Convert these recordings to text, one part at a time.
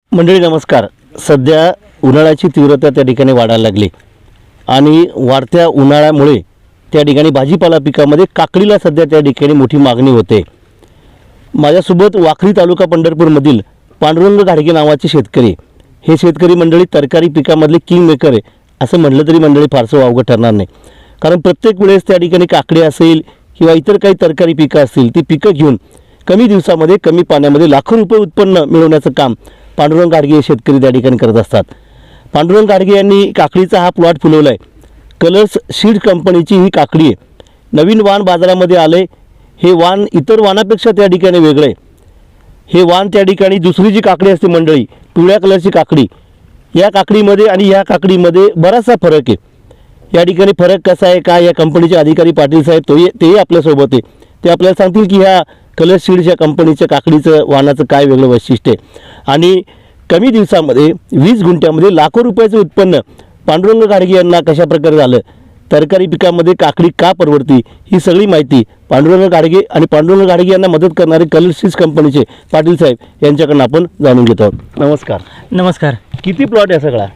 मंडळी नमस्कार. सध्या उन्हाळ्याची तीव्रता त्या ठिकाणी वाढायला लागली आणि वाढत्या उन्हाळ्यामुळे त्या ठिकाणी भाजीपाला पिकामध्ये काकडीला सध्या त्या ठिकाणी मोठी मागणी होते. माझ्यासोबत वाखरी तालुका पंढरपूरमधील पांडुरंग घाडगे नावाचे शेतकरी, हे शेतकरी मंडळी तरकारी पिकामधले किंग मेकर आहे असं म्हटलं तरी मंडळी फारसं वावगं ठरणार नाही. कारण प्रत्येक वेळेस त्या ठिकाणी काकडी असेल किंवा इतर काही तरकारी पिकं असतील ती पिकं घेऊन कमी दिवसामध्ये कमी पाण्यामध्ये लाखो रुपये उत्पन्न मिळवण्याचं काम पांडुरंग घाडगे हे शेतकरी त्या ठिकाणी करत असतात. पांडुरंग घाडगे यांनी काकडीचा हा प्लॉट फुलवला आहे. कलर्स सीड कंपनीची ही काकडी आहे. नवीन वाण बाजारामध्ये आले. हे वाण इतर वाणापेक्षा त्या ठिकाणी वेगळं आहे. हे वाण त्या ठिकाणी दुसरी जी काकडी असते मंडळी, पिवळ्या कलरची काकडी, या काकडीमध्ये आणि या काकडीमध्ये बराचसा फरक आहे. या ठिकाणी फरक कसा आहे काय, या कंपनीचे अधिकारी पाटील साहेब तेही आपल्यासोबत आहे. ते आपल्याला सांगतील की ह्या कलर सीड्स या कंपनीच्या काकडीचं वाणाचं काय वेगळं वैशिष्ट्य आहे. आणि कमी दिवसामध्ये 20 गुंठ्यामध्ये लाखो रुपयाचं उत्पन्न पांडुरंग घाडगे यांना कशा प्रकारे झालं, तरकारी पिकामध्ये काकडी का परवडती, ही सगळी माहिती पांडुरंग घाडगे आणि पांडुरंग घाडगे यांना मदत करणारे कलर सीड्स कंपनीचे पाटील साहेब यांच्याकडून आपण जाणून घेतो आहोत. नमस्कार. नमस्कार. किती प्लॉट आहे सगळा?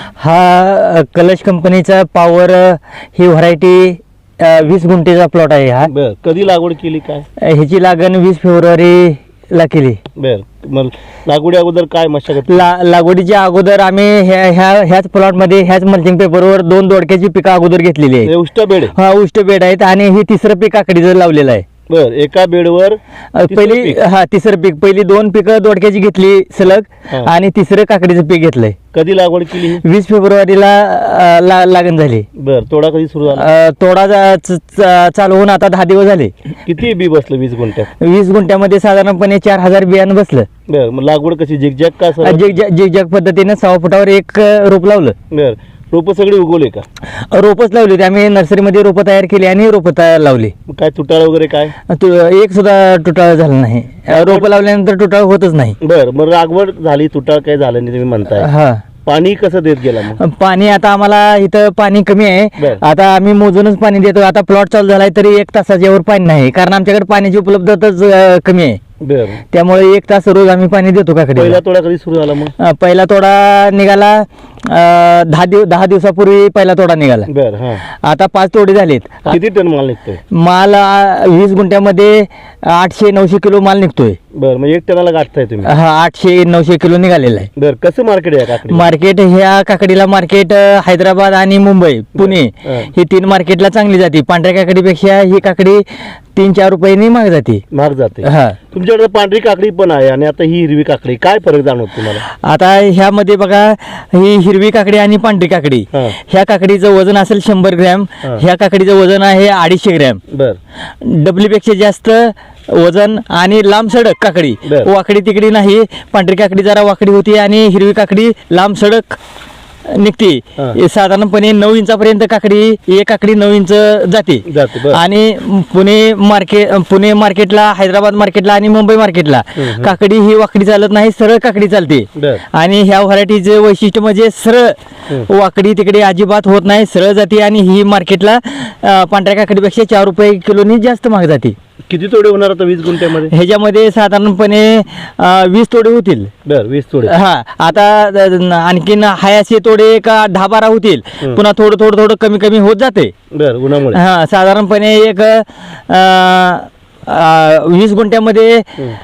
हा कलश कंपनीचा पॉवर ही व्हरायटी 20 गुंठेचा प्लॉट आहे. हा बर, कधी लागवड केली काय? ह्याची लागण 20 फेब्रुवारीला केली. बर, मग लागवडी अगोदर काय मशागत? लागवडीच्या अगोदर आम्ही ह्याच प्लॉटमध्ये ह्याच मल्चिंग पेपरवर 2 दोडक्याची पिकं अगोदर घेतलेली आहे. उष्ट बेड? हा, उष्ट बेड आहेत आणि ही तिसरं पीक काकडीचं लावलेलं आहे. बर, एका बेडवर तिसरं पीक, पहिली 2 पिकं दोडक्याची घेतली सलग आणि तिसरं काकडीचं पीक घेतलंय. कधी लागवड केली? 20 फेब्रुवारीला लागण झाली. बर, तोडा कधी सुरू झाला? तोडा चालू होऊन आता 10 दिवस झाले. किती बी बसलं 20 गुंठ्यात? 20 गुंठ्यामध्ये साधारणपणे 4000 बियाणं बसलं. बर, मग लागवड कशी झिकझॅक का? झिकझॅक पद्धतीने 6 फुटावर एक रोप लावलं. बर, रोप सगळी उगवले का? रोपच लावली होती आम्ही, नर्सरीमध्ये रोपं तयार केली आणि रोपं लावली. काय तुटाळ वगैरे काय? एक सुद्धा तुटाळ झालं नाही. रोपं लावल्यानंतर तुटाळ होतच नाही. बर, मग लागवड झाली, तुटाळ काय झालं नाही तुम्ही म्हणताय. हा, पाणी कसं देत गेला मग? पाणी आता आम्हाला इथं पाणी कमी आहे. आता आम्ही मोजूनच पाणी देतो. आता प्लॉट चालू झालाय तरी 1 तासाच्या वर पाणी नाही, कारण आमच्याकडे पाण्याची उपलब्धताच कमी आहे. बर, त्यामुळे 1 तास रोज आम्ही पाणी देतो काकडे. पहिला तोडा कधी सुरू झाला मग? पहिला तोडा निघाला 10 दिवसापूर्वी पहिला तोडा निघाला. बर, हा. आता 5 तोडे झालेत. किती टन माल निघतोय? माल 20 गुंठ्यामध्ये 800-900 किलो माल निघतोय. बर, मग 1 टनाला गाठताय तुम्ही? हा, 800-900 किलो निघालेला आहे. बर, कसं मार्केट आहे काकडी? मार्केट ह्या काकडीला मार्केट हैदराबाद आणि मुंबई, पुणे ही 3 मार्केटला चांगली जाते. पांढऱ्या काकडीपेक्षा ही काकडी 3-4 रुपयांनी महाग जाते. महाग जाते. हा, तुमच्याकडे पांढरी काकडी पण आहे आणि आता ही हिरवी काकडी, काय फरक जाणवतो तुम्हाला? आता ह्यामध्ये बघा, ही हिरवी काकडी आणि पांढरी काकडी, ह्या काकडीचं वजन असेल 100 ग्रॅम, ह्या काकडीचं वजन आहे 250 ग्रॅम. बर, डबलीपेक्षा जास्त वजन आणि लांब सडक काकडी, वाकडी तिकडी नाही. पांढरी काकडी जरा वाकडी होती आणि हिरवी काकडी लांब सडक निघते. साधारणपणे 9 इंचापर्यंत काकडी, एक काकडी 9 इंच जाते. आणि पुणे मार्केटला, हैदराबाद मार्केटला आणि मुंबई मार्केटला काकडी ही वाकडी चालत नाही, सरळ काकडी चालते. आणि ह्या व्हरायटीचे वैशिष्ट्य म्हणजे सरळ वाकडी तिकडे अजिबात होत नाही, सरळ जाते. आणि ही मार्केटला पांढऱ्या काकडीपेक्षा 4 रुपये किलोनी जास्त महाग जाते. किती तोडे होणार आता 20 गुंठ्यामध्ये? ह्याच्यामध्ये साधारणपणे 20 तोडे होतील. बर, 20 तोडे. हा, आता आणखीन हायाचे तोडे का 10-12 होतील. पुन्हा थोडं कमी होत जाते. बर, उन्हामुळे. हा, साधारणपणे एक 20 गुंठ्यामध्ये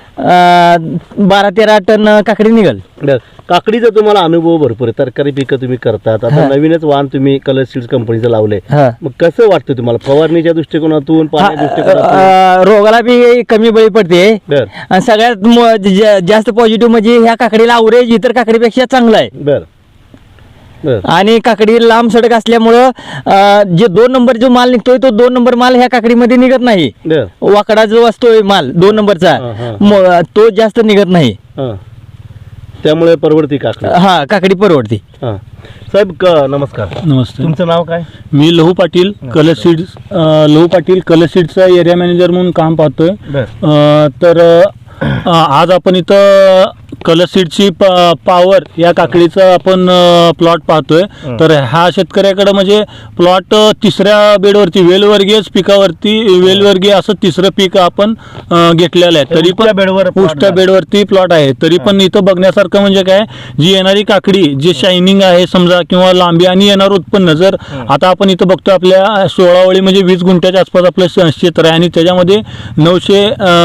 12-13 टन काकडी निघल. काकडीचा तुम्हाला अनुभव भरपूर आहे, तरकारी पिकं तुम्ही करतात. आता नवीनच वाण तुम्ही कलर सीड्स कंपनीचं लावलंय, मग कसं वाटतं तुम्हाला फवारणीच्या दृष्टिकोनातून, पाण्याच्या दृष्टिकोनातून? रोगाला बी कमी बळी पडते. सगळ्यात जास्त पॉझिटिव्ह म्हणजे ह्या काकडीला अवरेज इतर काकडीपेक्षा चांगला आहे. बर, आणि काकडी लांब सडक असल्यामुळं जे 2 नंबर जो माल निघतोय तो 2 नंबर माल ह्या काकडीमध्ये निघत नाही. वाकडा जो असतोय माल 2 नंबरचा तो जास्त निघत नाही. त्यामुळे परवडती काकडी. हा, काकडी परवडती. साहेब नमस्कार. नमस्ते. तुमचं नाव काय? मी लहू पाटील, कलर सीड्सचा एरिया मॅनेजर म्हणून काम पाहतोय. तर आज आपण इथं कलश सीडची पॉवर या काकडीचा आपण प्लॉट पाहतोय. तर हा शेतकऱ्याकडे म्हणजे प्लॉट तिसऱ्या बेडवरती वेलवर्गीय पिकावरती वेलवर्गीय असं तिसरं पीक आपण घेतलेलं आहे. तरी उष्ट्या बेडवर पण उष्ट्या बेडवरती प्लॉट आहे. तरी पण इथं बघण्यासारखं म्हणजे काय, जी येणारी काकडी जे शायनिंग आहे समजा किंवा लांबी आणि येणार उत्पन्न जर आता आपण इथं बघतो आपल्या 16 ओळी म्हणजे 20 गुंठ्याच्या आसपास आपलं क्षेत्र आहे आणि त्याच्यामध्ये 900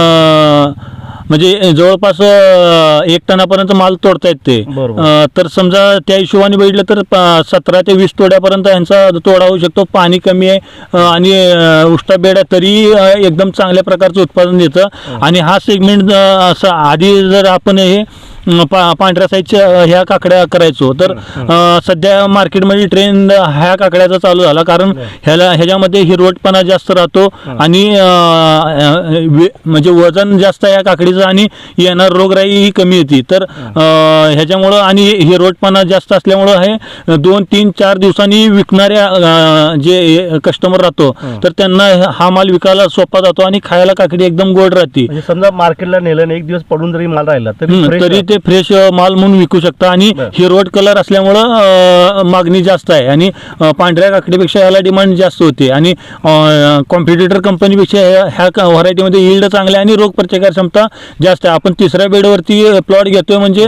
म्हणजे जवळपास 1 टनापर्यंत माल तोडतायत ते. तर समजा त्या हिशोबाने बघितलं तर 17 ते 20 तोड्यापर्यंत यांचा तोडा होऊ शकतो. पाणी कमी आहे आणि उष्टा बेड आहे तरी एकदम चांगल्या प्रकारचं उत्पादन देतं. आणि हा सेगमेंट असं आधी जर आपण हे पांढऱ्या साईजच्या ह्या काकड्या करायचो तर सध्या मार्केटमध्ये ट्रेंड ह्या काकड्याचा चालू झाला, कारण ह्याच्यामध्ये हिरवटपणा जास्त राहतो आणि म्हणजे वजन जास्त आहे या काकडीचं आणि येणार रोगराई ही कमी येते. तर ह्याच्यामुळं आणि हिरवटपणा जास्त असल्यामुळं हे 2, 3, 4 दिवसांनी विकणाऱ्या जे कस्टमर राहतो तर त्यांना हा माल विकायला सोपा जातो आणि खायला काकडी एकदम गोड राहते. समजा मार्केटला नेलं 1 दिवस पडून जरी माल राहिला तरी ते फ्रेश माल म्हणून विकू शकता. आणि हिरवट कलर असल्यामुळं मागणी जास्त आहे आणि पांढऱ्या काकडीपेक्षा याला डिमांड जास्त होते आणि कॉम्पिटिटर कंपनीपेक्षा ह्या व्हरायटीमध्ये यील्ड चांगले आणि रोग प्रतिकार क्षमता जास्त आहे. आपण तिसऱ्या बेडवरती प्लॉट घेतोय म्हणजे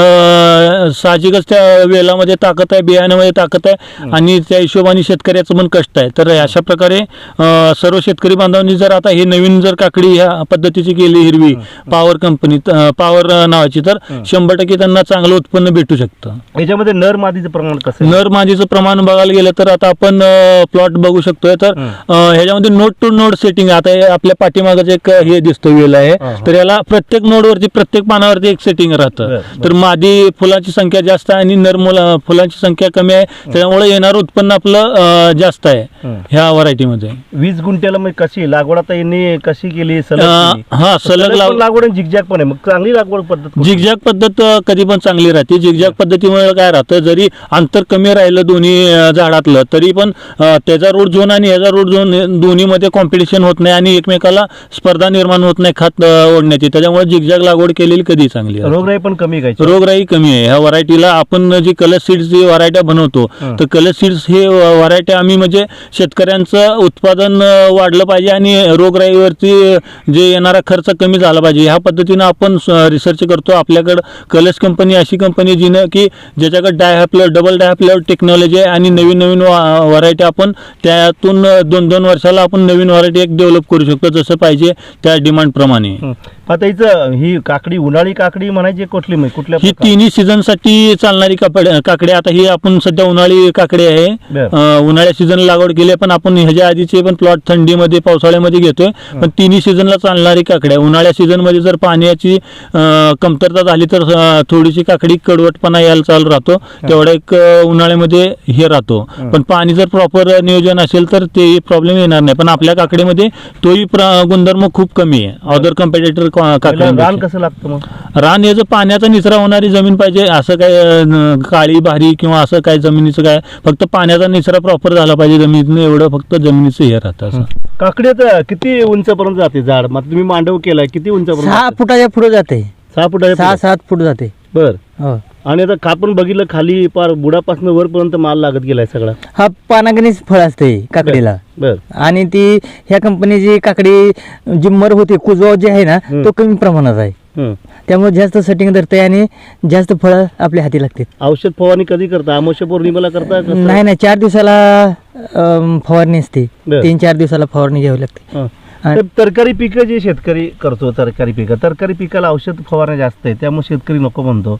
साहजिकच त्या वेलामध्ये ताकद आहे, बियाण्यामध्ये ताकद आहे आणि त्या हिशोबाने शेतकऱ्याचं पण कष्ट आहे. तर अशा प्रकारे सर्व शेतकरी बांधवांनी जर आता हे नवीन जर काकडी ह्या पद्धतीची केली हिरवी पॉवर कंपनी पॉवर नावाची तर 100% त्यांना चांगलं उत्पन्न भेटू शकतं. याच्यामध्ये नर मादीचं प्रमाण कसं? नर मादीचं प्रमाण बघायला गेलं तर आता आपण प्लॉट बघू शकतोय. तर ह्याच्यामध्ये नोड टू नोड सेटिंग आता आपल्या पाठीमागच एक हे दिसतं वेल आहे. तर याला प्रत्येक नोडवरती प्रत्येक पानावरती एक सेटिंग राहतं. तर मादी फुलांची संख्या जास्त आहे आणि नर फुलांची संख्या कमी आहे, त्याच्यामुळे येणारं उत्पन्न आपलं जास्त आहे ह्या व्हरायटीमध्ये. 20 गुंठ्याला मग कशी लागवड आता यांनी कशी केली? सलग लागवड झिगझॅग पण आहे, मग चांगली लागवड पद्धत. झिगझॅग पद्धत कधी पण चांगली राहते. झिगझॅग पद्धतीमुळे काय राहतं, जरी अंतर कमी राहिलं दोन्ही झाडातलं तरी पण त्याचा रूट झोन आणि ह्याचा रूट झोन दोन्हीमध्ये कॉम्पिटिशन होत नाही आणि एकमेकाला स्पर्धा निर्माण होत नाही खत ओढण्याची. त्याच्यामुळे झिगझॅग लागवड केलेली कधी चांगली. रोगराई पण कमी काय? रोगराई कमी आहे ह्या व्हरायटीला. आपण जी कलश सीड्सची व्हरायट्या बनवतो तर कलश सीड्स हे व्हरायट्या आम्ही म्हणजे शेतकऱ्यांचं उत्पादन वाढलं पाहिजे आणि रोगराईवरती जे येणारा खर्च कमी झाला पाहिजे ह्या पद्धतीनं आपण रिसर्च करतो. आपल्याकडं कलश कंपनी अशी कंपनी जिनं की ज्याच्याकडे डायहॅप्लर डबल डायहॅप्लर टेक्नॉलॉजी आहे आणि नवीन नवीन व्हरायटी आपण त्यातून 2-2 वर्षाला आपण नवीन व्हरायटी एक डेव्हलप करू शकतो जसं पाहिजे त्या डिमांड प्रमाणे. आता हिचं ही काकडी उन्हाळी काकडी म्हणायची कुठली कुठल्या? ही तिन्ही सीझन साठी चालणारी काकडी. आता ही आपण सध्या उन्हाळी काकडी आहे, उन्हाळ्या सीझनला लागवड केली आहे, पण आपण ह्याच्या आधीचे पण प्लॉट थंडीमध्ये पावसाळ्यामध्ये घेतोय. पण तिन्ही सीझनला चालणारी काकडी आहे. उन्हाळ्या सीझनमध्ये जर पाण्याची कमतरता झाली तर थोडीशी काकडी कडवटपणा यायला चालू राहतो, तेवढा एक उन्हाळ्यामध्ये हे राहतो. पण पाणी जर प्रॉपर नियोजन असेल तर ते प्रॉब्लेम येणार नाही. पण आपल्या काकडीमध्ये तोही गुणधर्म खूप कमी आहे अदर कम्पेटेटर काकडी. रान कसं लागतं मग? रान याचं पाण्याचा निचरा होणारी जमीन पाहिजे. असं काय काळी भारी किंवा असं काय जमिनीचं काय, फक्त पाण्याचा निचरा प्रॉपर झाला पाहिजे जमिनीतून, एवढं फक्त जमिनीचं हे राहतं. असं काकडी आता किती उंचपर्यंत जाते झाड? मग तुम्ही मांडव केलाय किती उंचपर्यंत? 6 फुटाच्या पुढे जाते. 6 फुटाच्या 6-7 फूट जाते. बर. हो. आणि आता कापून बघितलं खाली पार बुडापासून वरपर्यंत माल लागत गेलाय सगळा. हा पानागणीच फळ असते काकडीला. बर. आणि ती ह्या कंपनीची काकडी जी मर होते कुजवा जे आहे ना तो कमी प्रमाणात आहे, त्यामुळे जास्त सेटिंग धरते आणि जास्त फळं आपल्या हाती लागते. औषध फवारणी कधी करता? अमावस्या पौर्णिमेला करता? नाही 4 दिवसाला फवारणी असते. 3-4 दिवसाला फवारणी घ्यावी लागते. तरकारी पिकं जे शेतकरी करतो, तरकारी पिकाला औषध फवारणी जास्त आहे, त्यामुळे शेतकरी नको म्हणतो.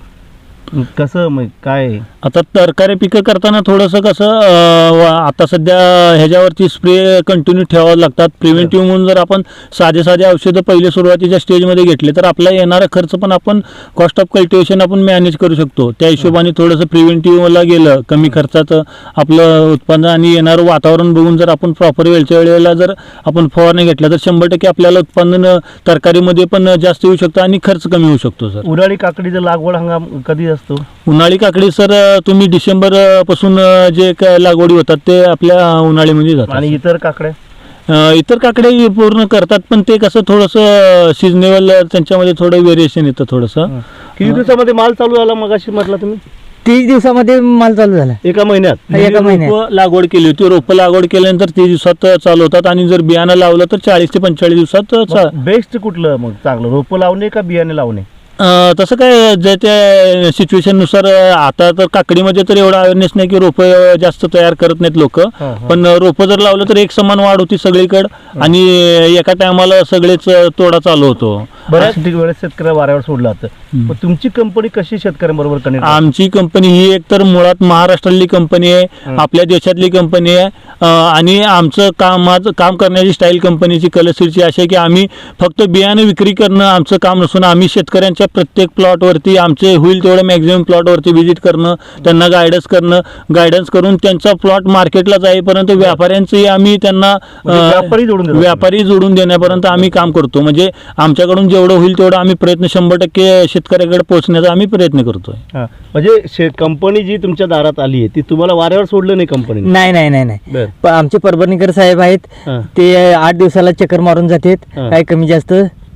कसं मग काय? आता तरकारी पिकं करताना थोडंसं कसं आता सध्या ह्याच्यावरती स्प्रे कंटिन्यू ठेवावं लागतात. प्रिव्हेंटिव्ह म्हणून जर आपण साधे औषधं पहिले सुरुवातीच्या स्टेजमध्ये घेतले तर आपला येणारा खर्च पण आपण कॉस्ट ऑफ कल्टिवेशन आपण मॅनेज करू शकतो. त्या हिशोबाने थोडंसं प्रिव्हेंटिव्हला गेलं कमी खर्चात आपलं उत्पन्न आणि येणारं वातावरण बघून जर आपण प्रॉपर वेळच्या वेळेला जर आपण फवारणी घेतल्या तर 100% आपल्याला उत्पन्न तरकारीमध्ये पण जास्त येऊ शकतं आणि खर्च कमी होऊ शकतो. सर उन्हाळी काकडीचा लागवड हंगाम कधी असतो? उन्हाळी काकडी सर तुम्ही डिसेंबर पासून जे काय लागवडी होतात ते आपल्या उन्हाळीमध्ये जातात. आणि इतर काकड्या? इतर काकडे पूर्ण करतात, पण ते कसं थोडंसं सिजनेबल त्यांच्यामध्ये थोडं व्हेरिएशन येतं थोडंसं. किती दिवसामध्ये माल चालू झाला मगाशी म्हटलं तुम्ही? 30 दिवसामध्ये माल चालू झाला. एका महिन्यात? एका महिन्यात. रोपं लागवड केली होती, रोपं लागवड केल्यानंतर 30 दिवसात चालू होतात आणि जर बियाणं लावलं तर 40 ते 45 दिवसात बेस्ट कुठलं मग चांगलं, रोपं लावणे का बियाणे लावणे? तसं काय जे त्या सिच्युएशननुसार आता तर काकडीमध्ये तर एवढा अवेअरनेस नाही की रोपं जास्त तयार करत नाहीत लोक, पण रोपं जर लावलं तर एक समान वाढ होती सगळीकडे आणि एका टायमाला सगळेच तोडा चालू होतो. बऱ्याच वेळेस शेतकऱ्या वाऱ्यावर सोडला जातं. तुमची कंपनी कशी शेतकऱ्यांबरोबर कनेक्ट? आमची कंपनी ही एक तर मुळात महाराष्ट्रातली कंपनी आहे, आपल्या देशातली कंपनी आहे आणि आमचं काम करण्याची स्टाईल कंपनीची कलसीची अशी आहे की आम्ही फक्त बियाणे विक्री करणं आमचं काम नसून आम्ही शेतकऱ्यांच्या प्रत्येक प्लॉटवरती आमचे होईल तेवढं मॅक्झिमम प्लॉटवरती व्हिजिट करणं, त्यांना गायडन्स करून त्यांचा प्लॉट मार्केटला जाईपर्यंत व्यापाऱ्यांचंही आम्ही त्यांना व्यापारी जोडून देण्यापर्यंत आम्ही काम करतो. म्हणजे आमच्याकडून जेवढं होईल तेवढं आम्ही प्रयत्न 100% शेतकऱ्याकडे पोहोचण्याचा आम्ही प्रयत्न करतोय. म्हणजे कंपनी जी तुमच्या दारात आली आहे ती तुम्हाला वाऱ्यावर सोडलं नाही कंपनी? नाही. आमचे परभणीकर साहेब आहेत, ते 8 दिवसाला चक्कर मारून जातात, काय कमी जास्त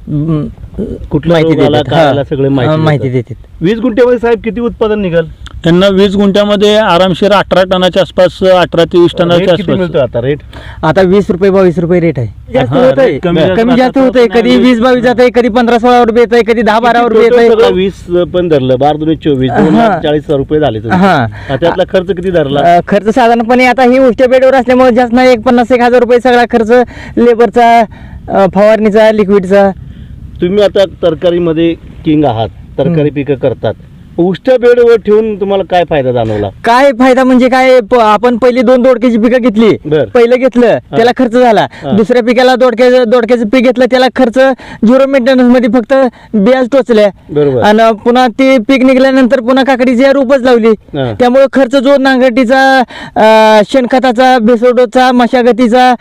कुठला माहिती रोग आला, देतात. काय आला सगळे माहिती देतात. 20 गुंठ्यामध्ये साहेब किती उत्पादन निघाल? त्यांना 20 गुंठ्यामध्ये आरामशीर 18 टनाच्या आसपास, 18 ते 20 टनाच्या किती मिळतो आसपास. आता रेट? आता 20 रुपये 22 रुपये रेट आहे. जास्त हा, होत आहे, रेट कमी कमी जास्त होत आहे. कधी 20-22 जात आहे, कधी 15-16 रुपये येत आहे, कधी 10-12 रुपये येत आहे. 20 पण धरलं, 12-2-24 2,40,000 रुपये झाले तुमचे. हा. त्यातला खर्च किती धरला? खर्च साधारणपणे आता ही उष्ट्या बेडवर असल्यामुळे जास्त नाही, 50-1,000 रुपये सगळा खर्च लेबरचा, फवारणीचा, लिक्विडचा. तुम्ही आता तरकारीमध्ये किंग आहात, तरकारी पिकं करतात, उष्ट्या बेडवर ठेवून तुम्हाला काय फायदा जाणवला? काय फायदा म्हणजे काय, आपण पहिली 2 दोडक्याची पिकं घेतली, बर. पहिलं घेतलं त्याला खर्च झाला, दुसऱ्या पिकाला दोडक्याचं पीक घेतलं त्याला खर्च 0 मेंटेनन्स मध्ये फक्त बियाज टोचल्या, बरोबर. आणि पुन्हा ते पीक निघाल्यानंतर पुन्हा काकडीची रोपच लावली. हा. त्यामुळे खर्च जो नांगरटीचा, शेणखताचा, बेसोडोचा, मशागतीचा,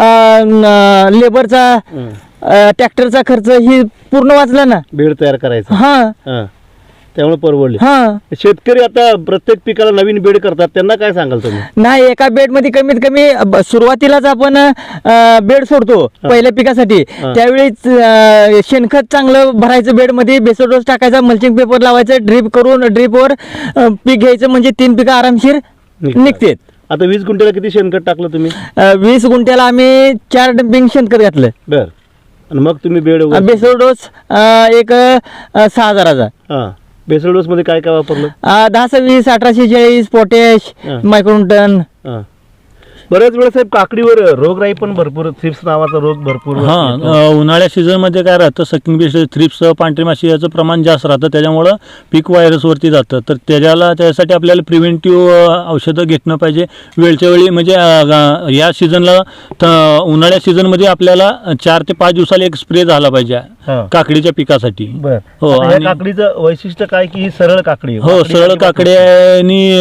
लेबरचा, ट्रॅक्टरचा खर्च ही पूर्ण वाचला ना. बेड तयार करायचा. हा. त्यामुळे परवडले. हा. शेतकरी आता प्रत्येक पिकाला नवीन बेड करतात, त्यांना काय सांगाल तुम्ही? नाही, एका बेड मध्ये कमीत कमी सुरुवातीलाच आपण बेड सोडतो पहिल्या पिकासाठी, त्यावेळी शेणखत चांगलं भरायचं बेड मध्ये, बेसोडोस टाकायचा, मल्चिंग पेपर लावायचं, ड्रीपवर पीक घ्यायचं, म्हणजे 3 पिकं आरामशीर निघते. आता 20 गुंठ्याला किती शेणखत टाकलं तुम्ही? 20 गुंठ्याला आम्ही 4 डंपिंग शेणखत घातलं. बर. आणि मग तुम्ही बेड बेसोडोस एक 6,000चा. हा. बेसल डोस मध्ये काय काय वापरलं? 10-20, 1840, पोटॅश, मायक्रोन्यूटन. बऱ्याच वेळा साहेब काकडीवर रोगराई पण भरपूर, थ्रिप्स नावाचा रोग भरपूर येतो. उन्हाळ्या सीझन मध्ये काय राहतं, सकिंग बेस, थ्रिप्स, पांढरी माशी याचं प्रमाण जास्त राहतं, त्याच्यामुळं पीक व्हायरसवरती जातं. तर त्यासाठी आपल्याला प्रिव्हेंटिव्ह औषधं घेतलं पाहिजे वेळच्या वेळी. म्हणजे या सीझनला, उन्हाळ्या सीझनमध्ये आपल्याला 4 ते 5 दिवसाला एक स्प्रे झाला पाहिजे काकडीच्या पिकासाठी. हो. आणि काकडीचं वैशिष्ट्य काय की ही सरळ काकडी? हो, सरळ काकडी आहे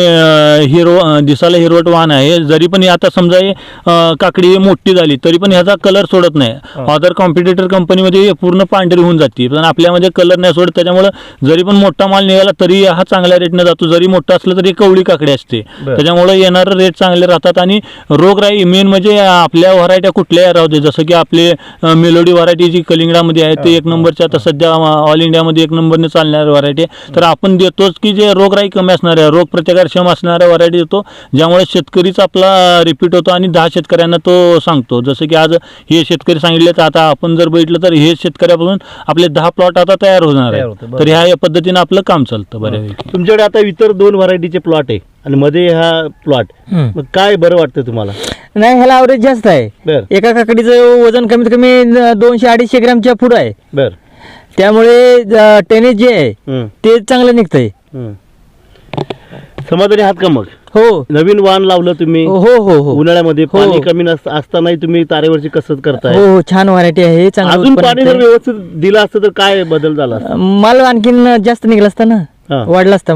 आणि दिसायला हिरवट वाण आहे. जरी पण आता समजा काकडी मोठी झाली तरी पण ह्याचा कलर सोडत नाही. अदर कॉम्पिटिटर कंपनीमध्ये पूर्ण पांढरी होऊन जाते, पण आपल्यामध्ये कलर नाही सोडत. त्याच्यामुळे जरी पण मोठा माल निघाला तरी हा चांगल्या रेटने जातो. जरी मोठा असलं तरी कवळी काकडी असते, त्याच्यामुळे येणारे रेट चांगले राहतात. आणि रोगराई मेन म्हणजे आपल्या व्हरायट्या कुठल्याही राहू दे, जसं की आपले मेलोडी व्हरायटी जी कलिंगडामध्ये आहे ते 1 नंबरच्या, आता सध्या ऑल इंडियामध्ये 1 नंबरने चालणाऱ्या व्हरायटी, तर आपण देतोच की जे रोगराई कमी असणाऱ्या, रोग प्रतिकारक्षम असणाऱ्या व्हरायटी देतो, ज्यामुळे शेतकरीच आपला रिपीट होतो आणि 10 शेतकऱ्यांना तो सांगतो. जसं की आज हे शेतकरी सांगितले, तर आता आपण जर बघितलं तर हे शेतकऱ्यापासून आपले 10 प्लॉट आता तयार होणार आहे. तर ह्या पद्धतीने आपलं काम चालतं बऱ्यापैकी. तुमच्याकडे आता इतर 2 व्हरायटीचे प्लॉट आहे आणि मध्ये हा प्लॉट, मग काय बरं वाटतं तुम्हाला? नाही, ह्याला ॲव्हरेज जास्त आहे. एका काकडीचं वजन कमीत कमी 200-250 ग्रॅमच्या पुढं आहे. बर. त्यामुळे टेनेज जे आहे ते चांगलं निघतंय. समाधानी आहात का मग? हो. नवीन वाण लावलं तुम्ही? हो. उन्हाळ्यामध्ये पाणी कमी असतानाही तुम्ही तारेवरची कसरत करताय? हो, छान व्हरायटी आहे. अजून पाणी जर व्यवस्थित दिलं असतं तर काय बदल झाला? माल आणखीन जास्त निघला असता ना, वाढला असता माल.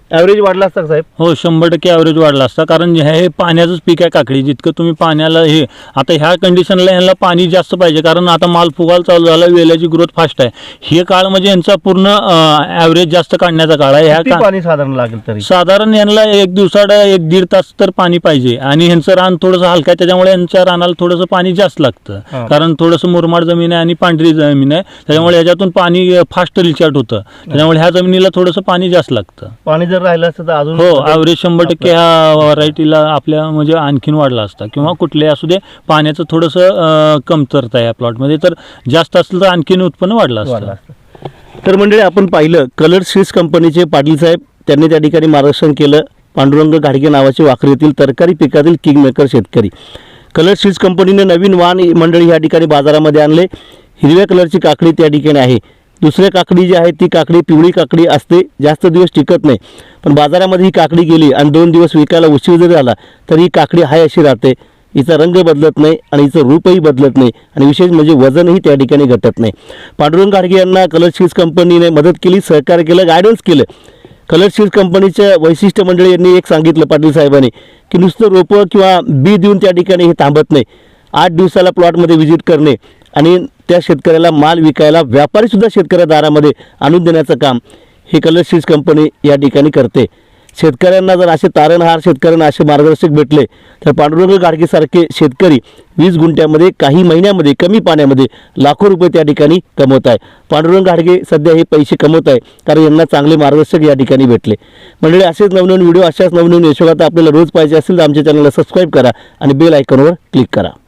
ॲव्हरेज वाढला असता का साहेब? हो 100% ॲव्हरेज वाढला असता, कारण हे पाण्याचंच पीक आहे काकडी. जितकं तुम्ही पाण्याला हे आता ह्या कंडिशनला ह्यांना पाणी जास्त पाहिजे, कारण आता माल फुगायला चालू झाला, वेल्याची ग्रोथ फास्ट आहे. हे काळ म्हणजे यांचा पूर्ण ॲव्हरेज जास्त काढण्याचा काळ आहे. ह्या किती पाणी साधारण लागेल तरी? साधारण यांना एक दिवसाड 1-1.5 तास तर पाणी पाहिजे. आणि ह्यांचं रान थोडंसं हलकं आहे, त्याच्यामुळे यांच्या रानाला थोडंसं पाणी जास्त लागतं, कारण थोडंसं मुरमाड जमीन आहे आणि पांढरी जमीन आहे, त्याच्यामुळे ह्याच्यातून पाणी फास्ट रिचार्ज होतं, त्याच्यामुळे ह्या जमिनीला थोडंसं पाणी जास्त लागतं. पाणी जर राहिलं असतं तर अजून हो ॲव्हरेज 100% ह्या व्हरायटीला आपल्या म्हणजे आणखीन वाढला असता, किंवा कुठले असू दे पाण्याचं थोडंसं कमतरता आहे या प्लॉटमध्ये, तर जास्त असलं तर आणखीन उत्पन्न वाढलं असतं. तर मंडळी आपण पाहिलं कलर सीड्स कंपनीचे पाटील साहेब त्यांनी त्या ठिकाणी मार्गदर्शन केलं. पांडुरंग घाडगे नावाचे वाखरी येथील तरकारी पिकातील किंगमेकर शेतकरी. कलर सीड्स कंपनीने नवीन वाण मंडळी या ठिकाणी बाजारामध्ये आणले. हिरव्या कलरची काकडी त्या ठिकाणी आहे. दुसऱ्या काकडी जी आहे ती काकडी पिवळी काकडी असते, जास्त दिवस टिकत नाही, पण बाजारामध्ये ही काकडी गेली आणि 2 दिवस विकायला उशीर जरी झाला तरी ही काकडी हाय अशी राहते. हिचा रंग बदलत नाही आणि हिचं रूपही बदलत नाही, आणि विशेष म्हणजे वजनही त्या ठिकाणी घटत नाही. पांडुरंग घाडगे यांना कलर सीड्स कंपनीने मदत केली, सहकार्य केलं, गायडन्स केलं. कलर सीड्स कंपनीच्या वैशिष्ट्य मंडळी यांनी एक सांगितलं पाटील साहेबांनी, की नुसतं रोपं किंवा बी देऊन त्या ठिकाणी हे थांबत नाही. 8 दिवसाला प्लॉटमध्ये व्हिजिट करणे आणि त्या शेतकऱ्याला माल विकायला व्यापारीसुद्धा शेतकऱ्या दारामध्ये आणून देण्याचं काम हे कलर सीड्स कंपनी या ठिकाणी करते. शेतकऱ्यांना जर असे तारणहार शेतकऱ्यांना असे मार्गदर्शक भेटले तर पांडुरंग घाडगेसारखे शेतकरी 20 गुंठ्यामध्ये काही महिन्यामध्ये कमी पाण्यामध्ये लाखो रुपये त्या ठिकाणी कमवत आहे. पांडुरंग घाडगे सध्या हे पैसे कमवत आहे कारण यांना चांगले मार्गदर्शक या ठिकाणी भेटले. मंडळी असेच नवनवीन व्हिडिओ अशाच नवनवीन यशोगाथा आपल्याला रोज पाहिजे असेल तर आमच्या चॅनलला सबस्क्राईब करा आणि बेल आयकॉनवर क्लिक करा.